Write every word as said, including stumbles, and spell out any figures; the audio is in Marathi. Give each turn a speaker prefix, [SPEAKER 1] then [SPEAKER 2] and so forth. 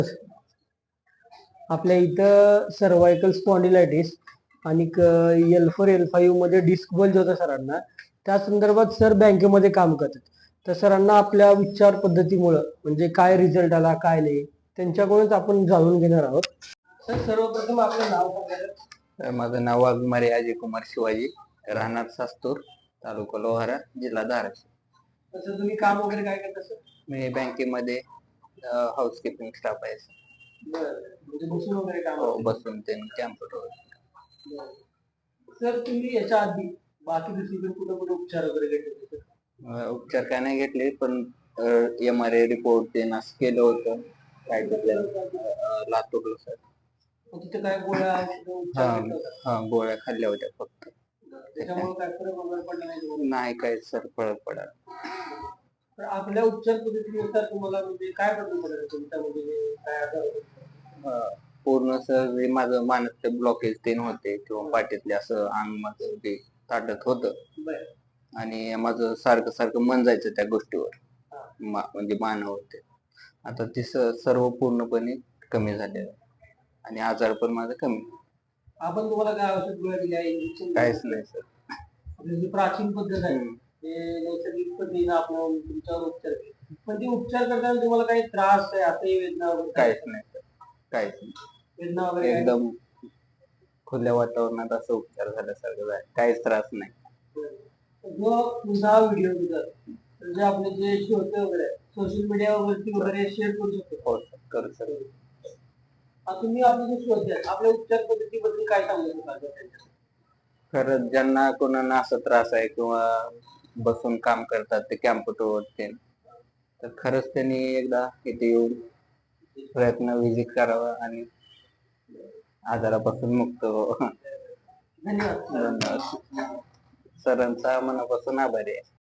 [SPEAKER 1] आपल्या इथं सर्वायकल स्पॉन्डिलायटिस आणि एल फोर एल फाईव्ह मध्ये डिस्क बल्ज होता सरांना. त्या संदर्भात सर बँकेमध्ये काम करतात. तर सरांना आपल्या उपचार पद्धतीमुळं म्हणजे काय रिझल्ट आला काय नाही त्यांच्याकडूनच आपण जाणून घेणार आहोत. सर सर्वप्रथम आपलं नाव सांगा.
[SPEAKER 2] माझं नाव वाघमारे अजय कुमार शिवाजी, राहणार सास्तूर, तालुका लोहारा, जिल्हा धाराशिव.
[SPEAKER 1] तसं तुम्ही काम वगैरे काय करता सर?
[SPEAKER 2] मी बँकेमध्ये हाऊसकीपिंग स्टाफ आहे.
[SPEAKER 1] म्हणजे बसून वगैरे काम?
[SPEAKER 2] हो, बसून ते कॅम्प्युटर.
[SPEAKER 1] सर तुम्ही याच्या आधी बाकी दुसरीकडे कुठे कुठे उपचार वगैरे घेतले?
[SPEAKER 2] उपचार काय नाही घेतले, पण एम आर आय रिपोर्ट ते नास केलं होतं काय लातूरला सर.
[SPEAKER 1] तिथे काय गोळ्या
[SPEAKER 2] हा गोळ्या खाल्ल्या होत्या फक्त.
[SPEAKER 1] त्याच्यामुळे काय फरक वगैरे पडला नाही?
[SPEAKER 2] नाही काय सर फरक पडला.
[SPEAKER 1] तर आपल्या उपचार पद्धतीनुसार तुम्हाला म्हणजे काय बदल पडेल तुमच्यामध्ये काय आजार?
[SPEAKER 2] पूर्ण सर माझं मानसचे ब्लॉकेज तीन होते किंवा पाठीतले असं अंग माझं ते ताटत होतं आणि माझं सारखं सारखं मन जायचं त्या गोष्टीवर, म्हणजे मानव होते. आता ते सर्व पूर्णपणे कमी झालेलं आहे आणि आजार पण माझा कमी.
[SPEAKER 1] आपण तुम्हाला काय औषध गोळ्या दिल्या? इंजेक्शन?
[SPEAKER 2] काहीच नाही सर.
[SPEAKER 1] जी प्राचीन पद्धत आहे ते नैसर्गिक पद्धतीने आपण तुमच्यावर उपचार केले, पण ते उपचार करताना तुम्हाला काही त्रास आहे असंही वेदना वगैरे?
[SPEAKER 2] काहीच नाही सर, काहीच नाही.
[SPEAKER 1] वेदना वगैरे
[SPEAKER 2] एकदम खुल्या वातावरणात असं उपचार झाल्यासारखं आहे, काहीच त्रास नाही.
[SPEAKER 1] जो तुझा व्हिडिओ म्हणजे आपले जे श्रोते वगैरे सोशल मीडियावरती वगैरे शेअर करू शकतो?
[SPEAKER 2] हो सर, करू सर.
[SPEAKER 1] तुम्ही आपले जे श्रोते आहेत आपल्या उपचार पद्धतीबद्दल काय सांगू शकाल?
[SPEAKER 2] खरंच ज्यांना कोणाला असा त्रास आहे किंवा बसून काम करतात ते कॅम्प्युटरवर ते, तर खरंच त्यांनी एकदा इथे येऊन प्रयत्न विजिट करावा आणि आजारापासून मुक्त व्हावं.
[SPEAKER 1] धन्यवाद.
[SPEAKER 2] सरांचा मनापासून आभारी आहे.